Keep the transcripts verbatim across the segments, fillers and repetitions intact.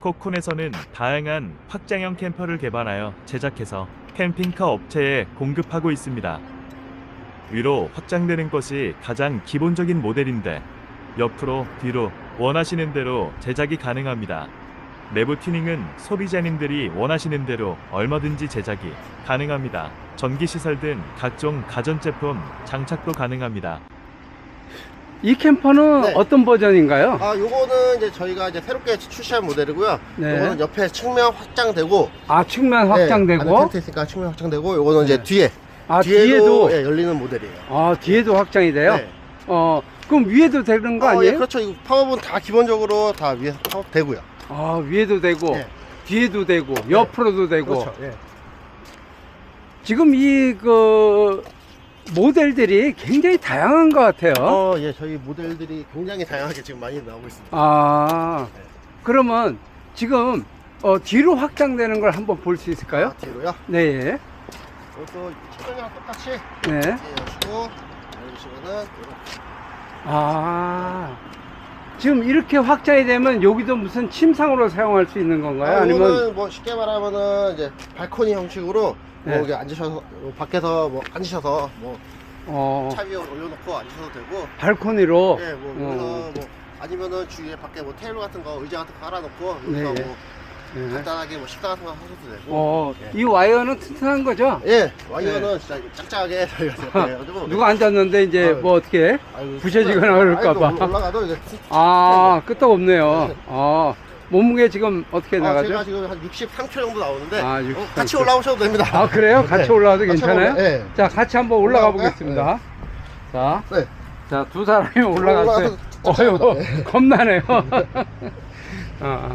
코쿤에서는 다양한 확장형 캠퍼를 개발하여 제작해서 캠핑카 업체에 공급하고 있습니다. 위로 확장되는 것이 가장 기본적인 모델인데 옆으로 뒤로 원하시는 대로 제작이 가능합니다. 내부 튜닝은 소비자님들이 원하시는 대로 얼마든지 제작이 가능합니다. 전기시설 등 각종 가전제품 장착도 가능합니다. 이 캠퍼는 네. 어떤 버전인가요? 아, 요거는 이제 저희가 이제 새롭게 출시한 모델이고요. 네. 요거는 옆에 측면 확장되고, 아, 측면 네, 확장되고. 안에 텐트 있으니까 측면 확장되고, 요거는 이제 네. 뒤에, 아, 뒤에도, 뒤에도. 예, 열리는 모델이에요. 아, 뒤에도 확장이 돼요? 네. 어, 그럼 위에도 되는 거 어, 아니에요? 예, 그렇죠. 이거 파워는 다 기본적으로 다 위에서 파워 되고요. 아, 위에도 되고, 네. 뒤에도 되고, 옆으로도 되고. 그렇죠. 예. 지금 이, 그, 모델들이 굉장히 다양한 것 같아요. 어, 예, 저희 모델들이 굉장히 다양하게 지금 많이 나오고 있습니다. 아, 네. 그러면 지금, 어, 뒤로 확장되는 걸 한번 볼 수 있을까요? 아, 뒤로요. 네. 이것도 최근이랑 똑같이 네. 이렇게 여시고, 열리시면은 이렇게. 아, 지금 이렇게 확장이 되면 여기도 무슨 침상으로 사용할 수 있는 건가요? 아, 아니면 이거는 뭐 쉽게 말하면은 이제 발코니 형식으로 뭐 네. 여기 앉으셔서 뭐 밖에서 뭐 앉으셔서 뭐 어, 차 위에 올려놓고 앉으셔도 되고, 발코니로. 예, 뭐 어. 여기서 뭐 아니면은 주위에 밖에 뭐 테이블 같은 거, 의자 같은 거 깔아놓고 여기서 네. 뭐 네. 간단하게 뭐 식사 같은 거 하셔도 되고. 어, 예. 이 와이어는 튼튼한 거죠? 예, 와이어는 진짜 짝짝하게 저희가 해가지고. 누가 앉았는데 이제 아유. 뭐 어떻게 아유, 부셔지거나 아유, 그럴까봐. 또 올라가도 이제. 아, 끄떡없네요. 아, 몸무게 지금 어떻게 아, 나가죠? 제가 지금 한 육십삼 킬로그램 정도 나오는데. 아, 어, 육십삼 같이 킬로그램. 올라오셔도 됩니다. 아, 그래요? 같이 네. 올라와도 같이 괜찮아요? 올라- 예. 자, 같이 한번 올라가 올라갈까요? 보겠습니다. 자, 네. 자, 두 사람이 올라갔어요. 올라가서 어휴, 겁나네요. 어.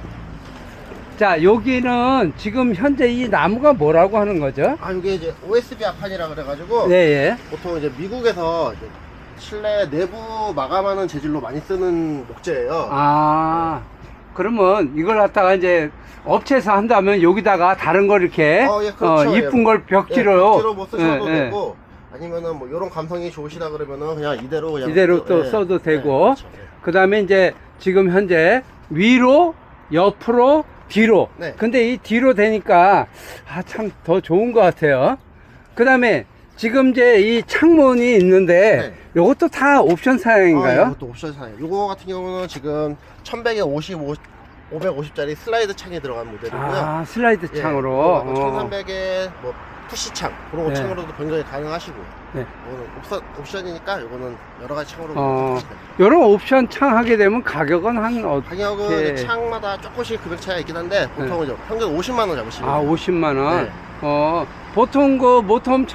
자, 여기는 지금 현재 이 나무가 뭐라고 하는 거죠? 아, 이게 이제 오에스비 합판이라 그래가지고. 네, 예. 보통 이제 미국에서 이제 실내 내부 마감하는 재질로 많이 쓰는 목재예요. 아, 그러면 이걸 갖다가 이제 업체에서 한다면 여기다가 다른 걸 이렇게 어, 예, 그렇죠. 어, 이쁜 예. 걸 예, 벽지로 벽지로 뭐 쓰셔도 예, 예. 되고, 아니면은 뭐 이런 감성이 좋으시다 그러면은 그냥 이대로 그냥 이대로 또 예. 써도 예, 되고, 그렇죠. 예. 그 다음에 이제 지금 현재 위로, 옆으로, 뒤로. 네. 근데 이 뒤로 되니까 아, 참 더 좋은 것 같아요. 그 다음에 지금 이제 이 창문이 있는데 네. 이것도 다 옵션 사양인가요? 아, 이것도 옵션 사양. 요거 같은 경우는 지금 천백에 오십오, 오백오십짜리 슬라이드 창이 들어간 모델이고요. 아, 슬라이드 예, 창으로. 어. 천삼백에 뭐 푸시 창 그런 네. 창으로도 변경이 가능하시고. 네. 이거는 옵션, 옵션이니까 이거는 여러 가지 창으로. 어, 변경하시면 됩니다. 이런 옵션 창 하게 되면 가격은 한 어떻게? 가격은 이제 창마다 조금씩 금액 차이가 있긴 한데 보통 이제 평균 오십만 원 잡으시면 아, 돼요. 오십만 원. 네. 어, 보통 그 모텀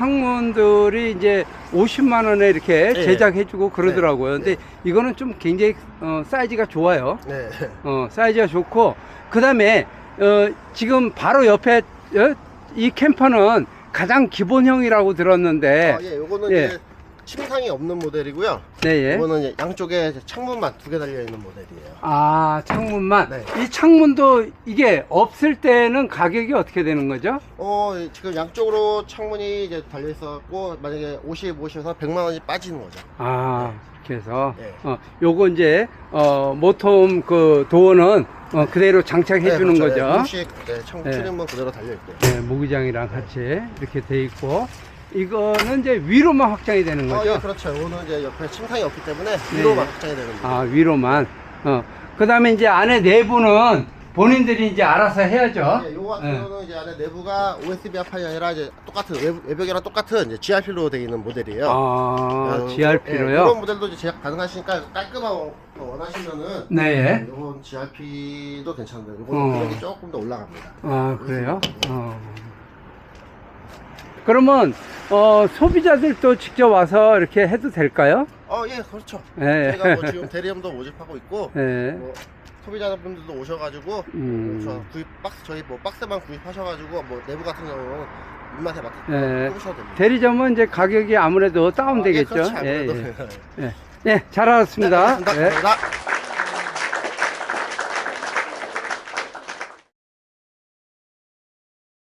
창문들이 이제 오십만 원에 이렇게 네. 제작해주고 그러더라고요. 네. 근데 이거는 좀 굉장히 어, 사이즈가 좋아요. 네. 어, 사이즈가 좋고, 그 다음에 어, 지금 바로 옆에 어, 이 캠퍼는 가장 기본형이라고 들었는데, 아, 예, 요거는 예. 이제 침상이 없는 모델이고요. 네, 예. 이거는 이제 양쪽에 이제 창문만 두 개 달려 있는 모델이에요. 아, 창문만. 네. 이 창문도 이게 없을 때는 가격이 어떻게 되는 거죠? 어, 지금 양쪽으로 창문이 이제 달려 있어갖고 만약에 오십, 오십에서 백만 원이 빠지는 거죠. 아, 이렇게 해서 네. 어, 요거 이제 어, 모톰 그 도어는 어, 그대로 장착해 주는 거죠. 음식 네, 창문 네. 출입문 그대로 달려 있고. 네, 모기장이랑 같이 이렇게 돼 있고, 이거는 이제 위로만 확장이 되는 어, 거죠. 예, 그렇죠. 이거는 이제 옆에 침상이 없기 때문에 위로만 확장이 되는 거죠. 아, 위로만. 어. 그다음에 이제 안에 내부는 본인들이 이제 알아서 해야죠. 네, 요거 같은 네. 경우는 이제 안에 내부가 오에스비 합판이 아니라 이제 똑같은 외부, 외벽이랑 똑같은 이제 지알피로 되어 있는 모델이에요. 아, 어, 지알피로요? 예, 이런 모델도 이제 제작 가능하시니까 깔끔한 거 원하시면은 네. 이건 지알피도 괜찮은데 어. 이거는 가격이 조금 더 올라갑니다. 아, 그래요? 어. 그러면 어, 소비자들도 직접 와서 이렇게 해도 될까요? 어, 예, 그렇죠. 예. 저희가 뭐 지금 대리점도 모집하고 있고 예. 뭐 소비자분들도 오셔가지고 음. 저 구입 박스 저희 뭐 박스만 구입하셔가지고 뭐 내부 같은 경우는 입맛에 맞게 예. 꾸미셔도 됩니다. 대리점은 이제 가격이 아무래도 다운되겠죠. 아, 예, 그렇죠. 예, 아무래도. 예. 예. 예, 잘 알았습니다. 네, 알겠습니다. 예. 감사합니다.